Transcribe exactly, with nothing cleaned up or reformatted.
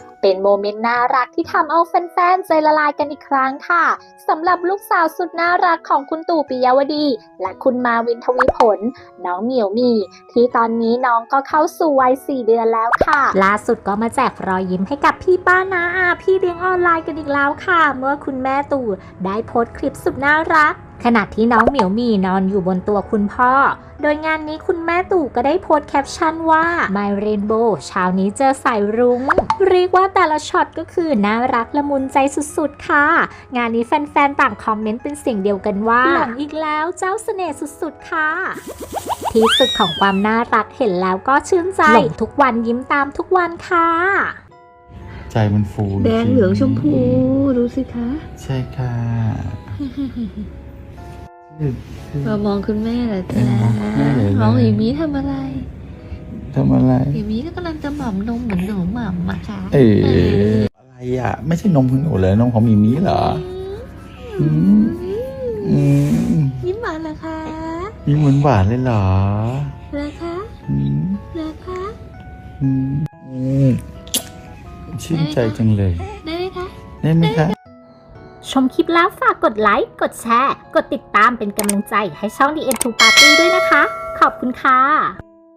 เป็นโมเมนต์น่ารักที่ทำเอาแฟนๆใจละลายกันอีกครั้งค่ะสำหรับลูกสาวสุดน่ารักของคุณตู่ปิยวดีและคุณมาวินทวีผลน้องเหมียวมีที่ตอนนี้น้องก็เข้าสู่วัยสี่เดือนแล้วค่ะล่าสุดก็มาแจกรอยยิ้มให้กับพี่ป้าน้าอาพี่เลี้ยงออนไลน์กันอีกแล้วค่ะเมื่อคุณแม่ตู่ได้โพสต์คลิปสุดน่ารักขณะที่น้องเหมียวมีนอนอยู่บนตัวคุณพ่อโดยงานนี้คุณแม่ตู่ก็ได้โพสต์แคปชั่นว่า My Rainbow เช้านี้เจอสายรุ้งเรียกว่าแต่ละช็อตก็คือน่ารักละมุนใจสุดๆค่ะงานนี้แฟนๆต่างคอมเมนต์เป็นเสียงเดียวกันว่าหลงอีกแล้วเจ้าเสน่ห์สุดๆค่ะที่สุดของความน่ารักเห็นแล้วก็ชื่นใจหลงทุกวันยิ้มตามทุกวันค่ะใจมันฟูแดงเหลืองชมพูดูสิคะใช่ค่ะมามองคุณแม่เหรอจ๊ะมองหมีมีทำอะไรทำอะไรหมีมีก็กำลังจะหม่ำนมเหมือนหนูหม่ำมาค่ะเอออะไรอ่ะไม่ใช่นมของหนูเลยนมของมีมีเหรออืมอืมยิ้มหวานเหรอคะยิ้มหวานหวานเลยเหรอเหรอคะอืมเหรอคะอืมอืมชื่นใจจังเลยได้ไหมคะได้ไหมคะชมคลิปแล้วฝากกดไลค์ กดแชร์ กดติดตามเป็นกำลังใจให้ช่อง ดี เอ็ม ทู Party ด้วยนะคะ ขอบคุณค่ะ